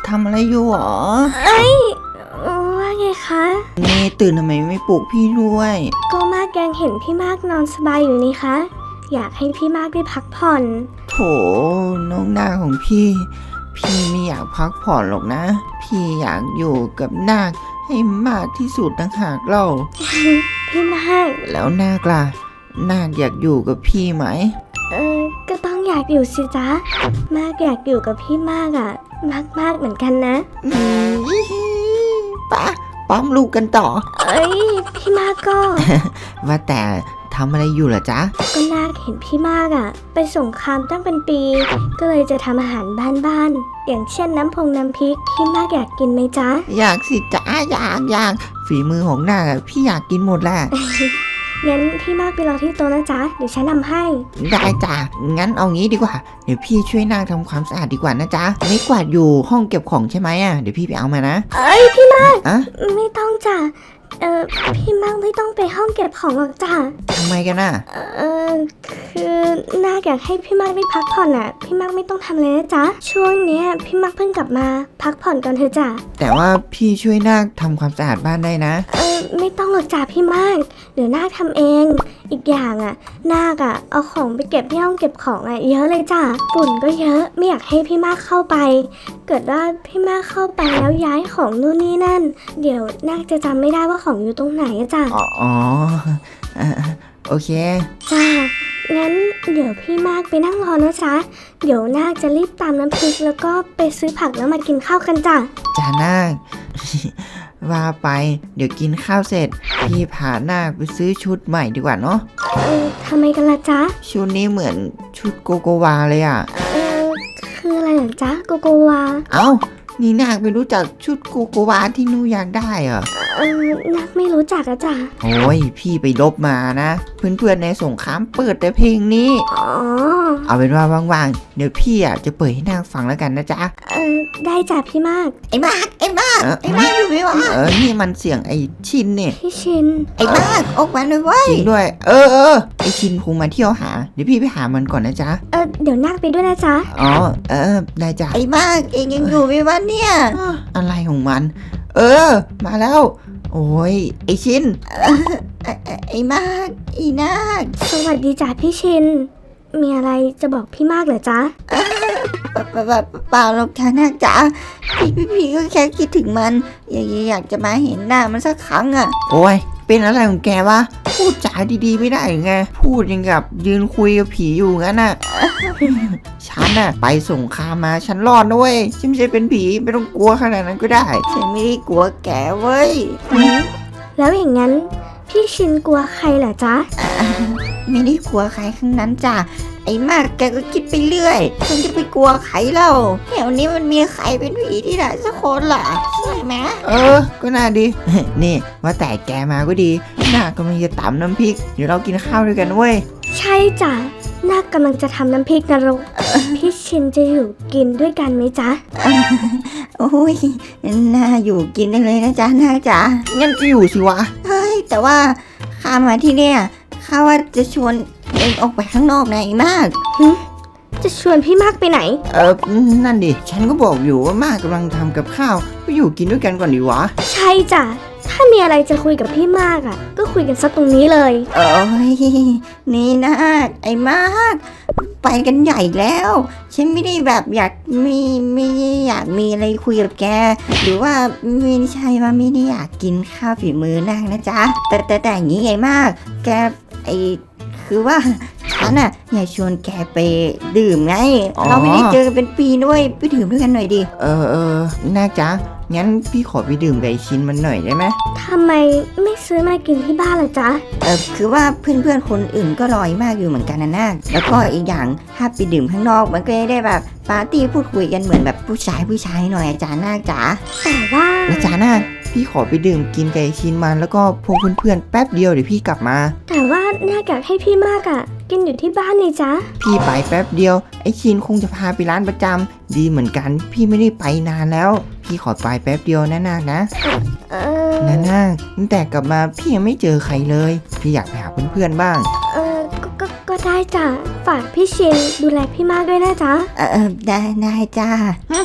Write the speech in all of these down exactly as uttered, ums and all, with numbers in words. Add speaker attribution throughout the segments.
Speaker 1: ทำอะไรอยู่หรอ
Speaker 2: เอ้ยว่าไงคะ
Speaker 1: นี่ตื่นทำไมไม่ปลุกพี่ด้วย
Speaker 2: ก็มากยังเห็นพี่มากนอนสบายอยู่นี่คะอยากให้พี่มากได้พักผ่อน
Speaker 1: โถน้องนาคของพี่พี่ไม่อยากพักผ่อนหรอกนะพี่อยากอยู่กับนาคให้มากที่สุดต่างหากเล่า
Speaker 2: พี่มาก
Speaker 1: แล้วนาคล่ะนาคอยากอยู่กับพี่ไหม
Speaker 2: เออก็ต้องอยากอยู่สิจ๊ะมากอยากอยู่กับพี่มากอ่ะมากมากเหมือนกันนะ
Speaker 1: อืมปะปั๊มลูกกันต่อ
Speaker 2: เอ้ยพี่มากก็
Speaker 1: ว่าแต่ทำอะไรอยู่เหรอจ๊ะ
Speaker 2: ก็นาคเห็นพี่มากอ่ะไปสงครามตั้งเป็นปีก็เลยจะทำอาหารบ้านๆอย่างเช่นน้ำพงน้ำพริกพี่มากอยากกินไหมจ๊ะ
Speaker 1: อยากสิจ๊ะอยากอยากฝีมือของนาคพี่อยากกินหมดแหละ
Speaker 2: งั้นพี่มากไปรอที่โต๊ะนะจ๊ะเดี๋ยวฉันทำให้
Speaker 1: ได้จ้ะงั้นเอางี้ดีกว่าเดี๋ยวพี่ช่วยนาคทำความสะอาดดีกว่านะจ๊ะไม่กวาดอยู่ห้องเก็บของใช่ไหมอ่ะเดี๋ยวพี่ไปเอามานะ
Speaker 2: เอ้ยพี่มาก
Speaker 1: อะ
Speaker 2: ไม่ต้องจ้ะเออพี่มากไม่ต้องไปห้องเก็บของหรอกจ้ะ
Speaker 1: ทำไมกันน่ะ
Speaker 2: เออคือนาคอยากให้พี่มากได้พักผ่อนอ่ะพี่มากไม่ต้องทำเลยนะจ๊ะช่วงนี้พี่มากเพิ่งกลับมาพักผ่อนก่อนเถอะจ้ะ
Speaker 1: แต่ว่าพี่ช่วยนาคทำความสะอาดบ้านได้นะ
Speaker 2: เออไม่ต้องหรอกจ้ะพี่มากเดี๋ยวนาคทำเองอีกอย่างอ่ะนาคอ่ะเอาของไปเก็บที่ห้องเก็บของอ่ะเยอะเลยจ้ะฝุ่นก็เยอะไม่อยากให้พี่มากเข้าไปเกิดว่าพี่มากเข้าไปแล้วย้ายของนู่นนี่นั่นเดี๋ยวนาคจะจำไม่ได้ว่าของอยู่ตรงไหนอะจ้ะ
Speaker 1: อ๋อโอเค
Speaker 2: จ้างั้นเดี๋ยวพี่มากไปนั่งรอนะจ๊ะเดี๋ยวนาคจะรีบตามน้ำพริกแล้วก็ไปซื้อผักแล้วมากินข้าวกันจ้ะ
Speaker 1: จ้านาค ว่าไปเดี๋ยวกินข้าวเสร็จพี่พานาคไปซื้อชุดใหม่ดีกว่าเนาะ
Speaker 2: เออทำไมกันล่ะจ๊ะ
Speaker 1: ชุดนี้เหมือนชุดโกโกวาเลยอ่ะ
Speaker 2: เออคืออะไรเหรอจ๊ะโกโกวา
Speaker 1: เอ้านี่นาคไม่รู้จักชุดโกโกวาที่นูอยากได้เหรอ
Speaker 2: เออนาคไม่รู้จักอะจ้ะ
Speaker 1: โอ้ยพี่ไปลบมานะเพื่อนๆในสงครามเปิดแต่เพลงนี้
Speaker 2: อ๋อ
Speaker 1: เอาเป็นว่าว่างๆเดี๋ยวพี่อ่ะจะเปิดให้นาคฟังแล้วกันนะจ๊ะ
Speaker 2: เออได้จ้ะพี่มาก
Speaker 1: ไอ้มากไอ้มากไอ้มากอยู่ไหมวะเออนี่มันเสียงไอ้ชินเนี่ย
Speaker 2: พี่ชิน
Speaker 1: ไอ้มากออกมาเลยเว้ยจริงด้วยเออเออไอ้ชินคงมาเที่ยวหาเดี๋ยวพี่ไปหามันก่อนนะจ๊ะ
Speaker 2: เออเดี๋ยวนาคไปด้วยนะจ๊ะ
Speaker 1: อ๋อเออได้จ้ะ
Speaker 3: ไอ้มากเองยังอยู่ไหมวะเนี่ย
Speaker 1: อะไรของมันเออมาแล้วโอ้ยไอชิน
Speaker 3: ไอ้มากอีนาค
Speaker 2: สวัสดีจ้ะพี่ชินมีอะไรจะบอกพี่มากเหรอจ๊ะ
Speaker 3: เปล่าเปล่าเปล่าหรอกจ้านาคจ๋าพี่พี่พี่ก็แค่คิดถึงมันอยากอยากจะมาเห็นหน้ามันสักครั้งอ่ะ
Speaker 1: โอ้ยเป็นอะไรของแกวะพูดจาดีๆไม่ได้ไงพูดยังกับยืนคุยกับผีอยู่งั้นน่ะ ฉันน่ะไปสงครามมาฉันรอดด้วยฉันไม่ใช่เป็นผีไม่ต้องกลัวขนาดนั้นก็ได้
Speaker 3: ฉันไม่ได้กลัวแกเว้ย
Speaker 2: แล้วอย่างนั้นพี่ชินกลัวใครเหรอจ๊ะ
Speaker 3: ไม่ได้กลัวใครทั้งนั้นจ้ะไอ้มากแกก็คิดไปเรื่อยฉันจะไปกลัวใครเล่าแถวนี้มันมีใครเป็นผีที่ไหนสักคนล่ะใช่ไหม
Speaker 1: เออก็น่าดี นี่ว่าแต่แกมาก็ดีน่ากำลังจะตำน้ำพริกเดี๋ยวเรากินข้าวด้วยกันเว้ย
Speaker 2: ใช่จ้ะน่ากำลังจะทำน้ำพริกนรกพี่ชินจะอยู่กินด้วยกันไหมจ๊ะ
Speaker 3: โอ้ยน่าอยู่กินได้เลยนะจ๊ะน่าจ๋า
Speaker 1: งั้นก็อยู่สิวะ
Speaker 3: เฮ้ยแต่ว่าข้ามาที่เนี่ยข้าว่าจะชวนเองออกไปข้างนอกนะไอ้มาก
Speaker 2: จะชวนพี่มากไปไหน
Speaker 1: เออนั่นดิฉันก็บอกอยู่ว่ามากกำลังทำกับข้าวก็อยู่กินด้วยกันก่อนดีวะ
Speaker 2: ใช่จ้ะถ้ามีอะไรจะคุยกับพี่มากอ่ะก็คุยกันซะตรงนี้เลย
Speaker 3: โอ้ยนี่นะไอ้มากไปกันใหญ่แล้วฉันไม่ได้แบบอยากมีไม่อยากมีอะไรคุยกับแกหรือว่าไม่ใช่ว่าไม่ได้อยากกินข้าวฝีมือนางนะจ๊ะแต่แต่แต่อย่างนี้ไงมากแกไอคือว่าฉันอ่ะอยากชวนแกไปดื่มไงเราไม่ได้เจอกันเป็นปีด้วยไปดื่มด้วยกันหน่อยดิ
Speaker 1: เออเออน่าจ๊ะงั้นพี่ขอไปดื่มกับไอชินมันหน่อยได้ไหม
Speaker 2: ทำไมไม่ซื้อมากินที่บ้านล่ะจ๊ะ
Speaker 3: เออคือว่าเพื่อนๆคนอื่นก็รอยมากอยู่เหมือนกันนะนาคแล้วก็อีกอย่างถ้าไปดื่มข้างนอกมันก็ได้แบบปาร์ตี้พูดคุยกันเหมือนแบบผู้ชายผู้ชายหน่อยอาจารย์นาคจ๋า
Speaker 2: แต่ว่า
Speaker 1: อาจารย์นาคพี่ขอไปดื่มกินกับไอชินมันแล้วก็พวกเพื่อนๆแป๊บเดียวเดี๋ยวพี่กลับมา
Speaker 2: แต่ว่านาคอยากให้พี่มากอ่ะกินอยู่ที่บ้านนี่จ๊ะ
Speaker 1: พี่ไปแป๊บเดียวไอชินคงจะพาไปร้านประจำดีเหมือนกันพี่ไม่ได้ไปนานแล้วพี่ขอไปแป๊บเดียวนะนาคนะ
Speaker 2: เออ
Speaker 1: นะนาคตั้งแต่กลับมาพี่ยังไม่เจอใครเลยพี่อยากไปหาเพื่อนๆบ้าง
Speaker 2: เออก็ก็ได้จ้ะฝากพี่ชินดูแลพี่มากด้วยนะจ๊ะ
Speaker 3: เออได้ได้จ้า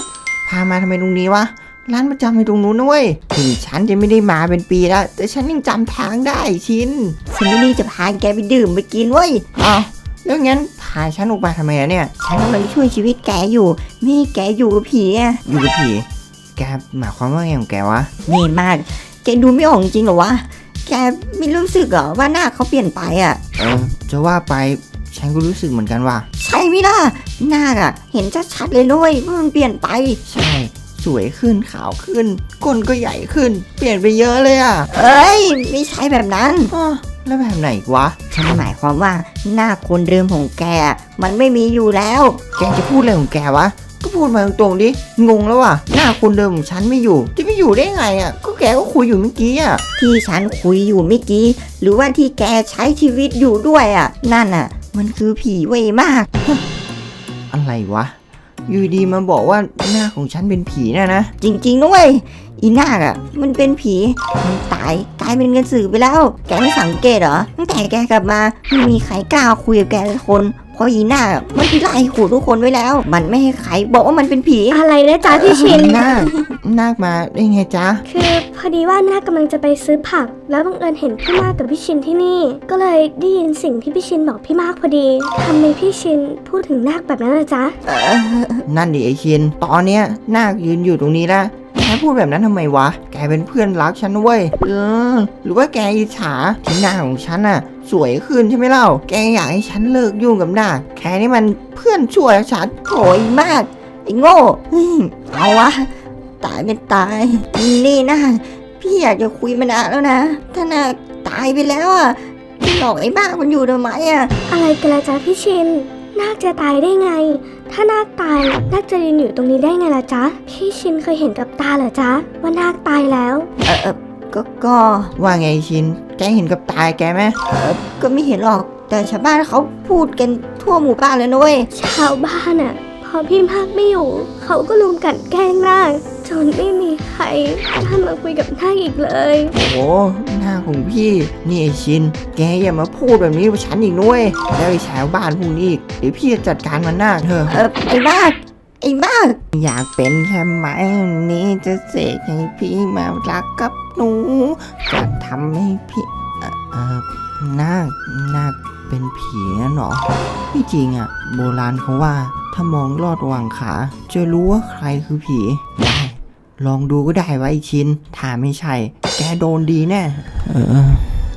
Speaker 1: พามาทำไมตรงนี้วะร้านประจำอยู่ตรงนู้นนะเว้ยถึงฉันจะไม่ได้มาเป็นปีแล้วแต่ฉันยังจำทางได้ชิน
Speaker 3: ฉันไม่ได้จะพาแกไปดื่มไปกินเว้ย
Speaker 1: อ้าวแล้วงั้นพาฉันออกมาทำไมอะเนี่ย
Speaker 3: ฉันกำลังช่วยชีวิตแกอยู่ไม่ให้แกอยู่กับผีอะ
Speaker 1: อยู่กับผีแกหมายความว่าไงของแกวะ
Speaker 3: นี่มาก แกดูไม่ออกจริงเหรอวะ แกไม่รู้สึกเหรอว่าหน้าเขาเปลี่ยนไปอะ
Speaker 1: เออจะว่าไปฉันก็รู้สึกเหมือนกันว่ะ
Speaker 3: ใช่ไหมล่ะ หน้าอะเห็นชัดๆเลยด้วยว่ามันเปลี่ยนไป
Speaker 1: ใช่สวยขึ้นขาวขึ้นก้นก็ใหญ่ขึ้น เปลี่ยนไปเยอะเลยอ่ะ
Speaker 3: เอ้ย ไม่ใช่แบบนั้น
Speaker 1: อ้อแล้วแบบไหนอีกวะ
Speaker 3: ฉันหมายความว่าหน้าคนเดิมของแกอะมันไม่มีอยู่แล้ว
Speaker 1: แกจะพูดอะไรของแกวะก็พูดมาตรงๆดิงงแล้วว่ะหน้าคนเดิมของฉันไม่อยู่จะไม่อยู่ได้ไงอ่ะก็แกก็คุยอยู่เมื่อกี้อ่ะ
Speaker 3: ที่ฉันคุยอยู่เมื่อกี้ หรือว่าที่แกใช้ชีวิตอยู่ด้วยอ่ะ นั่นอ่ะ มันคือผีเว้ยมาก
Speaker 1: อะไรวะอยู่ดีมาบอกว่าหน้าของฉันเป็นผีเนี่ยนะ
Speaker 3: จริงๆด้วยอีนาคอ่ะ มันเป็นผี มันตายกลายเป็นกระสือไปแล้ว แกไม่สังเกตเหรอ ตั้งแต่แกกลับมาไม่มีใครกล้าคุยกับแกเลยคน เพราะอีนาคอะมันไล่ขู่ทุกคนไว้แล้ว มันไม่ให้ใครบอกว่ามันเป็นผี
Speaker 2: อะไรนะจ๊ะพี่ชิน
Speaker 1: นาคนาคมาได้ไงจ๊ะ
Speaker 2: คือพอดีว่าน้ากำลังจะไปซื้อผัก แล้วบังเอิญเห็นพี่มากกับพี่ชินที่นี่ ก็เลยได้ยินสิ่งที่พี่ชินบอกพี่มากพอดีทำไมพี่ชินพูดถึงนาคแบบนั้นล่ะจ๊ะ
Speaker 1: นั่นดิไอชิน ตอนเนี้ยนาคยืนอยู่ตรงนี้แล้วแกพูดแบบนั้นทำไมวะ แกเป็นเพื่อนรักฉันนะเว้ย เออ หรือว่าแกอิจฉาที่หน้าของฉันน่ะ สวยขึ้นใช่ไหมเล่า แกอยากให้ฉันเลิกยุ่งกับหน้าแกนี่มันเพื่อนชั่วชัด
Speaker 3: โถยมาก ไอ้โง่อืมเอาวะ ตายเป็นตาย นี่นะ พี่อยากจะคุยมานานแล้วนะ ถ้านาคตายไปแล้วอ่ะพี่หลอกไอ้บ้ามันอยู่ทำไมอ่ะ
Speaker 2: อะไรกันล่ะจ๊ะพี่ชิน นาคจะตายได้ไง ถ้านาคตายนาคจะยืนอยู่ตรงนี้ได้ไงล่ะจ๊ะ พี่ชินเคยเห็นกับตาเหรอจ๊ะว่านาคตายแล้ว
Speaker 3: เออเออก็ก็
Speaker 1: ว่าไงไอ้ชิน แกเห็นกับตายแกไหม
Speaker 3: ก็ไม่เห็นหรอก แต่ชาวบ้านเขาพูดกันทั่วหมู่บ้านเลยนะเว้ย
Speaker 2: ชาวบ้านอะพอพี่มากไม่อยู่ เขาก็ลุมกลันแกล้งนาคจนไม่มีใครกล้ามาคุยกับนาคอีกเลย
Speaker 1: โอ้โหหน้าของพี่ นี่ไอชิน แกอย่ามาพูดแบบนี้กับฉันอีกด้วยแล้วไอ้ชาวบ้านพวกนี้อีกเดี๋ยวพี่จะจัดการมันหน้าเธอ
Speaker 3: เออไอ้บ้าไอ้บ้า
Speaker 1: อยากเป็นแค่ไหมวันนี้จะเสกให้พี่มารักกับหนู จะทำให้พี่เอ่อเออนาคนาคเป็นผีนั่นเหรอไม่จริงอ่ะ โบราณเขาว่า ถ้ามองลอดระหว่างขา จะรู้ว่าใครคือผี ได้ ลองดูก็ได้ว่าไอชิน ถ้าไม่ใช่ แกโดนดีแน่ เออ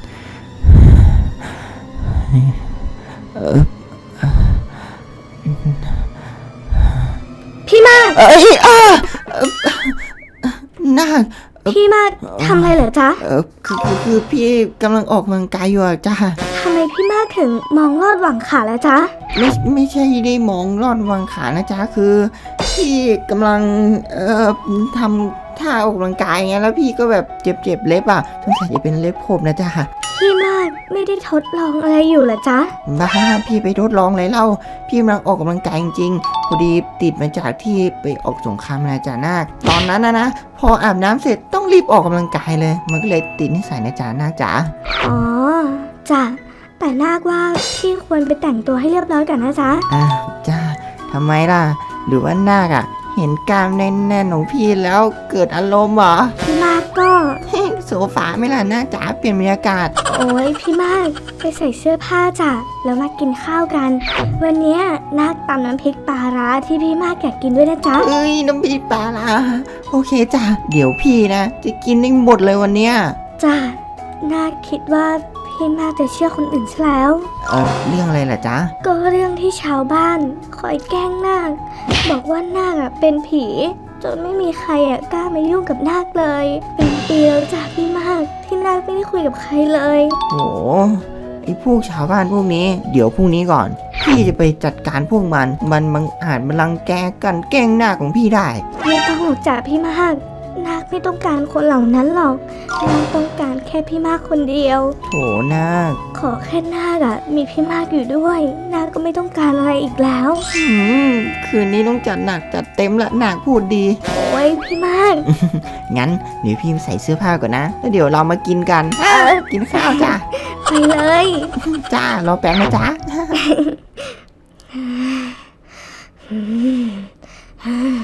Speaker 1: เออ
Speaker 2: พี่มาก
Speaker 1: เอ้ยอ่ะเอ่อนาค
Speaker 2: พี่มากทำอะไรเหรอจ๊ะ
Speaker 1: เออคือคือคือพี่กำลังออกกำลังกายอยู่อะจ้า
Speaker 2: ทำไมพี่มากถึงมองลอดหวังขาแล้วจ๊ะ
Speaker 1: ไม่ไม่ใช่ได้มองลอดวางขานะจ๊ะคือ พี่กำลังเอ่อทำท่าออกกำลังกายไงแล้วพี่ก็แบบเจ็บเจ็บเล็บอ่ะสงสัยจะเป็นเล็บผมนะจ๊ะ
Speaker 2: พี่มากไม่ได้ทดลองอะไรอยู่เหรอจ๊ะ
Speaker 1: บ้าพี่ไปทดลองอะไรเล่าพี่กำลังออกกำลังกายจริงๆพอดีติดมาจากที่ไปออกสงครามนะจ๊ะนาคตอนนั้นนะนะพออาบน้ำเสร็จต้องรีบออกกำลังกายเลย มันก็เลยติดนิสัยนะจ๊ะนาคจ๋า
Speaker 2: อ๋อจ้ะแต่นาคว่าพี่ควรไปแต่งตัวให้เรียบร้อยก่อนนะจ๊ะ
Speaker 1: อ่ะจ้าทำไมล่ะ หรือว่านาคอ่ะ เห็นกล้ามแน่นๆของพี่แล้วเกิดอารมณ์เหรอ
Speaker 2: พี่มากก็
Speaker 1: โซฟาไหม่ล่ะนาคจ๋าเปลี่ยนบรรยากาศ
Speaker 2: โอ้ยพี่มากไปใส่เสื้อผ้าจ้ะแล้วมากินข้าวกัน วันเนี้ยนาคตำน้ำพริกปลาร้าที่พี่มากอยากกินด้วยนะจ๊ะ
Speaker 1: เอ้ยน้ำพริกปลาล่ะโอเคจ้ะเดี๋ยวพี่นะ จะกินได้หมดเลยวันเนี้ย
Speaker 2: จ้ะนาคคิดว่าพี่มากจะเชื่อคนอื่นซะแล้ว
Speaker 1: เออเรื่องอะไรล่ะจ๊ะ
Speaker 2: ก็เรื่องที่ชาวบ้านคอยแกล้งนาคบอกว่านาคอะเป็นผีจนไม่มีใครอะกล้ามายุ่งกับนาคเลย เป็นปีแล้วจ้ะพี่มากที่นาคไม่ได้คุยกับใครเลย
Speaker 1: โหไอ้พวกชาวบ้านพวกนี้ เดี๋ยวพรุ่งนี้ก่อน พี่จะไปจัดการพวกมัน มันบังอาจมารังแกกันแกล้งหน้าของพี่ได้
Speaker 2: ไม่ต้องหรอกจ้ะพี่มากนาคไม่ต้องการคนเหล่านั้นหรอกนาคต้องการแค่พี่มากคนเดียว
Speaker 1: โถนาค
Speaker 2: ขอแค่นาคอะมีพี่มากอยู่ด้วยนาคก็ไม่ต้องการอะไรอีกแล้ว
Speaker 1: อืมคืนนี้ต้องจัดหนักจัดเต็มละนาคพูดดี
Speaker 2: โอ้ยพี่มาก
Speaker 1: งั้นเดี๋ยวพี่ใส่เสื้อผ้าก่อนนะ แล้วเดี๋ยวเรามากินกัน
Speaker 2: เออ
Speaker 1: กินข้าวจ้า
Speaker 2: ไปเลย
Speaker 1: จ้ารอแป๊บนะจ๊ะ
Speaker 2: อืม